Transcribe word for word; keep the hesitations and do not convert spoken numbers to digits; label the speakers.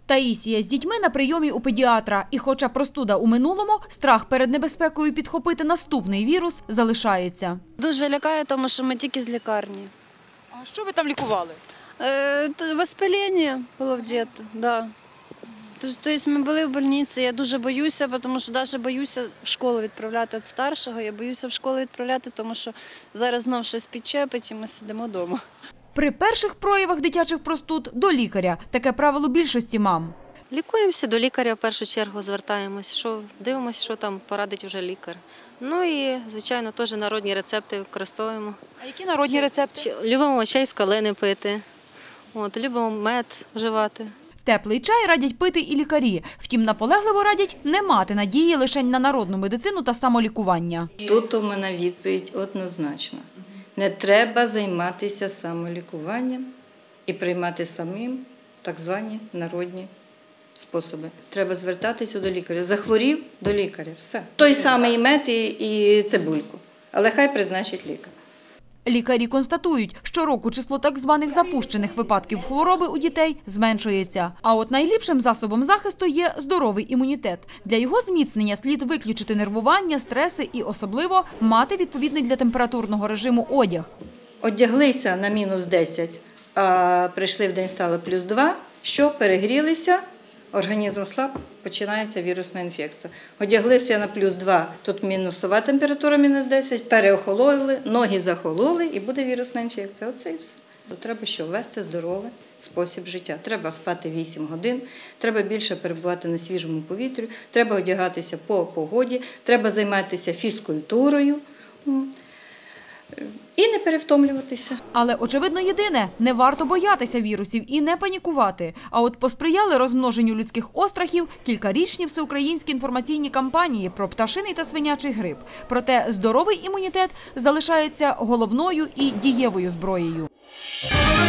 Speaker 1: Таїсія з дітьми на прийомі у педіатра. І хоча простуда у минулому, страх перед небезпекою підхопити наступний вірус залишається.
Speaker 2: Дуже лякає, тому що ми тільки з лікарні.
Speaker 1: А що ви там лікували?
Speaker 2: Е, воспалення було в діти, да. Тобто ми були в лікарні, я дуже боюся, тому що навіть боюся в школу відправляти від старшого, я боюся в школу відправляти, тому що зараз знов щось підчепить і ми сидимо вдома.
Speaker 1: При перших проявах дитячих простуд – до лікаря. Таке правило більшості мам.
Speaker 3: Лікуємося, до лікаря в першу чергу звертаємось, що дивимося, що там порадить вже лікар. Ну і, звичайно, теж народні рецепти використовуємо.
Speaker 1: А які народні рецепти?
Speaker 3: Любимо чай з калини пити, от, любимо мед вживати.
Speaker 1: Теплий чай радять пити і лікарі. Втім, наполегливо радять не мати надії лише на народну медицину та самолікування.
Speaker 4: Тут у мене відповідь однозначна. Не треба займатися самолікуванням і приймати самим так звані народні способи. Треба звертатися до лікаря. Захворів – до лікаря. Все. Той самий мед і цибульку. Але хай призначить лікар.
Speaker 1: Лікарі констатують, що року число так званих запущених випадків хвороби у дітей зменшується. А от найліпшим засобом захисту є здоровий імунітет. Для його зміцнення слід виключити нервування, стреси і особливо мати відповідний для температурного режиму одяг.
Speaker 4: Одяглися на мінус десять, а прийшли в день стало плюс два, що перегрілися, організм слаб, починається вірусна інфекція. Одяглися на плюс два, тут мінусова температура мінус десять, переохололи, ноги захололи і буде вірусна інфекція. Оце і все. Треба що вести здоровий спосіб життя. Треба спати вісім годин, треба більше перебувати на свіжому повітрі, треба одягатися по погоді, треба займатися фізкультурою. І не перевтомлюватися.
Speaker 1: Але, очевидно, єдине – не варто боятися вірусів і не панікувати. А от посприяли розмноженню людських острахів кількарічні всеукраїнські інформаційні кампанії про пташиний та свинячий грип. Проте здоровий імунітет залишається головною і дієвою зброєю.